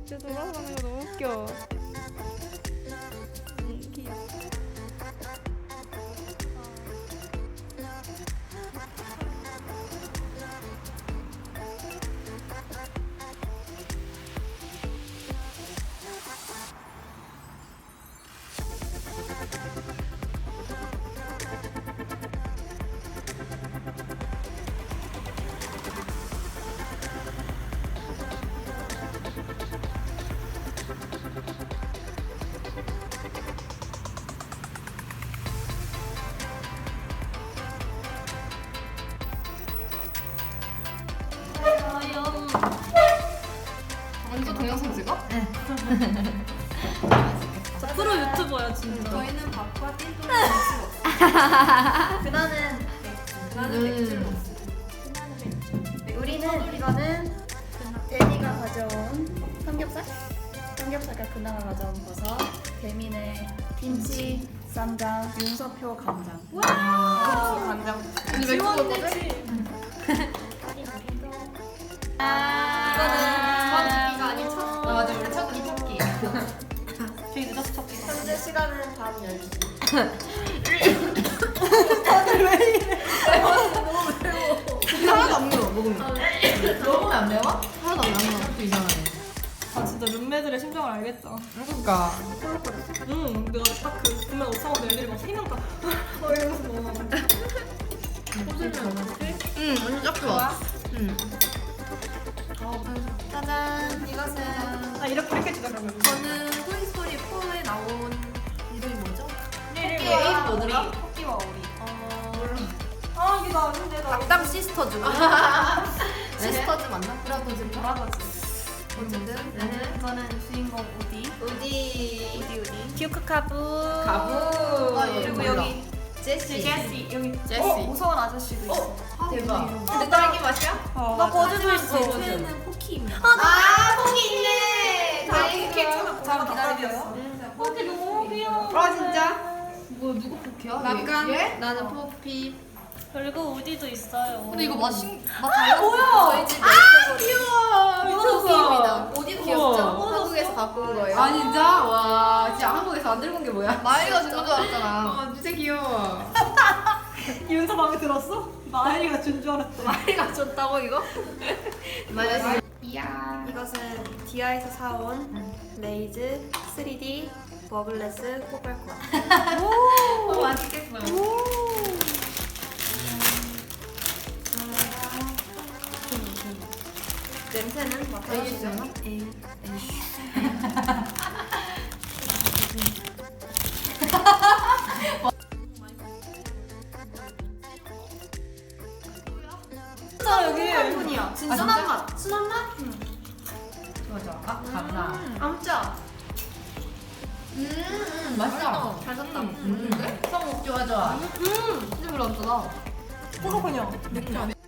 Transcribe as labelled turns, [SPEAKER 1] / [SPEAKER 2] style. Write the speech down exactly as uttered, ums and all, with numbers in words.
[SPEAKER 1] 진짜 돌아가는 거 너무 웃겨. 음, 귀여워.
[SPEAKER 2] 완전 동영상 찍어? 네.
[SPEAKER 1] 저 프로 유튜버야 진짜.
[SPEAKER 3] 저희는 밥과 띵동을 먹을 수 없어요. 그나는 그나는
[SPEAKER 2] 음.
[SPEAKER 3] 맥주를 먹습니다. 그나는 맥주. 우리는 이거는 데미가 가져온 삼겹살? 삼겹살과 그나가 가져온 버섯, 대민의 김치, 쌈장, 윤서표 간장. 와! 간장.
[SPEAKER 2] 근데 왜 그거 거지?
[SPEAKER 3] 이거는 이거 아닌 첫.
[SPEAKER 2] 아 맞아 우리 첫 우리 첫 끼.
[SPEAKER 1] 되게 늦어서 찾기.
[SPEAKER 3] 현재 시간은 밤 열 시.
[SPEAKER 2] 하나도 안 매워 먹으면. 먹으면 안 매워? 하나도 안 매워. 또 이상하네.
[SPEAKER 1] 아 진짜 룸메들의 심정을 알겠다.
[SPEAKER 2] 그러니까.
[SPEAKER 1] 응, 내가 딱그 분명 옷사고 애들이 막 세 명 다. 막 이러면서 뭐.
[SPEAKER 2] 응 완전 딱 좋아. 응.
[SPEAKER 3] 짜잔. 이것은
[SPEAKER 1] 아 이렇게 이렇게 주자 그러면.
[SPEAKER 3] 저는 토이스토리 포에 나온 이름이 뭐죠?
[SPEAKER 1] 이름이
[SPEAKER 3] 토끼와 오리.
[SPEAKER 1] 토끼와 오리.
[SPEAKER 3] 어...
[SPEAKER 1] 아 이게 나 아닌데 나.
[SPEAKER 3] 악당 시스터즈. 시스터즈 맞나? 브라더즈.
[SPEAKER 1] 브라더즈.
[SPEAKER 3] 어쨌든 저는 주인공 우디.
[SPEAKER 2] 우디.
[SPEAKER 3] 우디 우디.
[SPEAKER 1] 큐크카부.
[SPEAKER 2] 가부.
[SPEAKER 3] 아, 그리고
[SPEAKER 2] 몰라.
[SPEAKER 3] 여기
[SPEAKER 2] 제시.
[SPEAKER 1] 제시 여기.
[SPEAKER 2] 제시.
[SPEAKER 3] 어, 무서운 아저씨도 있어.
[SPEAKER 2] 어 대박.
[SPEAKER 3] 근데
[SPEAKER 2] 근데 딸기 맛이야?
[SPEAKER 1] 어,
[SPEAKER 3] 나
[SPEAKER 1] 맞아.
[SPEAKER 3] 거짓말 있어.
[SPEAKER 2] 거짓말.
[SPEAKER 3] 쟤는 포키입니다.
[SPEAKER 2] 아 포기 있네.
[SPEAKER 3] 다행이다.
[SPEAKER 1] 잘
[SPEAKER 3] 기다렸어.
[SPEAKER 1] 포키 너무 귀여워.
[SPEAKER 2] 아 진짜? 뭐 누구 포키야?
[SPEAKER 3] 막간.
[SPEAKER 2] 얘?
[SPEAKER 3] 나는 포피.
[SPEAKER 1] 그리고 우디도 있어요.
[SPEAKER 2] 근데 이거 맛있 맛 달라.
[SPEAKER 3] 저희 집 멜세거리.
[SPEAKER 2] 귀여워.
[SPEAKER 3] 포키입니다. 어디도 귀엽죠?
[SPEAKER 1] 우와.
[SPEAKER 3] 한국에서 갖고 온 거예요.
[SPEAKER 2] 아 진짜? 와 진짜 한국에서 안 들고 온 게 뭐야? 마이가 준 건 줄 알았잖아. 아 진짜 귀여워.
[SPEAKER 1] 윤서 마음에 들었어? 마이가 준 줄 알았대.
[SPEAKER 3] 마이가 줬다고 이거?
[SPEAKER 2] 마이가 이야.
[SPEAKER 3] 이것은 디아에서 사온 레이즈 쓰리디 버블레스 포괄권.
[SPEAKER 2] 오 맛있겠어.
[SPEAKER 3] 냄새는 맡아주세요.
[SPEAKER 2] 에이.
[SPEAKER 1] 진짜 여기.
[SPEAKER 3] 한분이야. 진짜
[SPEAKER 2] 진짜?
[SPEAKER 3] 순한 맛. 순한 맛?
[SPEAKER 2] 좋아 좋아. 아 감사.
[SPEAKER 3] 암짜.
[SPEAKER 2] 음, 음 맛있다.
[SPEAKER 3] 잘 샀다.
[SPEAKER 2] 음, 음. 성목 좋아 좋아.
[SPEAKER 3] 음.
[SPEAKER 2] 진짜 별로 안 짜다.
[SPEAKER 1] 포도코냐. 맥주.